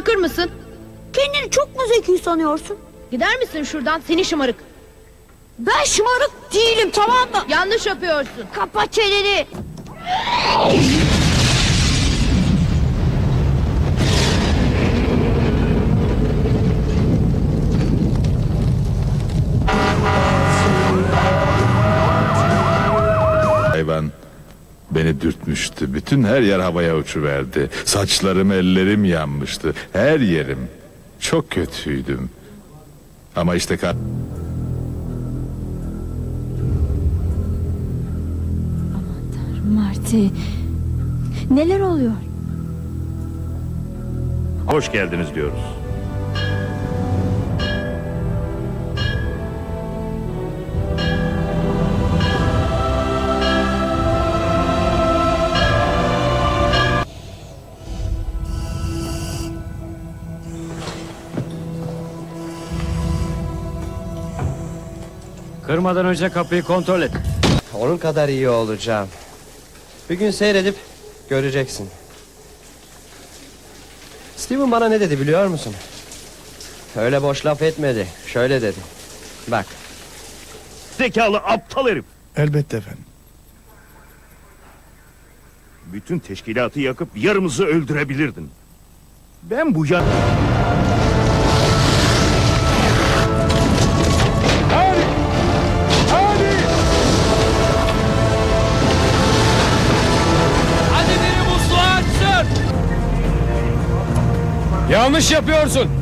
bırakır mısın? Kendini çok mu zeki sanıyorsun? Gider misin şuradan seni şımarık? Ben şımarık değilim, tamam mı? Yanlış yapıyorsun. Kapa çeneni. Hayvan beni dürtmüştü. Bütün her yer havaya uçuverdi. Saçlarım, ellerim yanmıştı. Her yerim. Çok kötüydüm. Ama işte Marty, neler oluyor? Hoş geldiniz diyoruz. Kırmadan önce kapıyı kontrol et. Onun kadar iyi olacağım. Bir gün seyredip göreceksin. Steven bana ne dedi biliyor musun? Öyle boş laf etmedi. Şöyle dedi. Bak. Zekalı aptal herif. Elbette efendim. Bütün teşkilatı yakıp yarımızı öldürebilirdin. Ben bu ya... Hadi biri musluğu açsın. Yanlış yapıyorsun.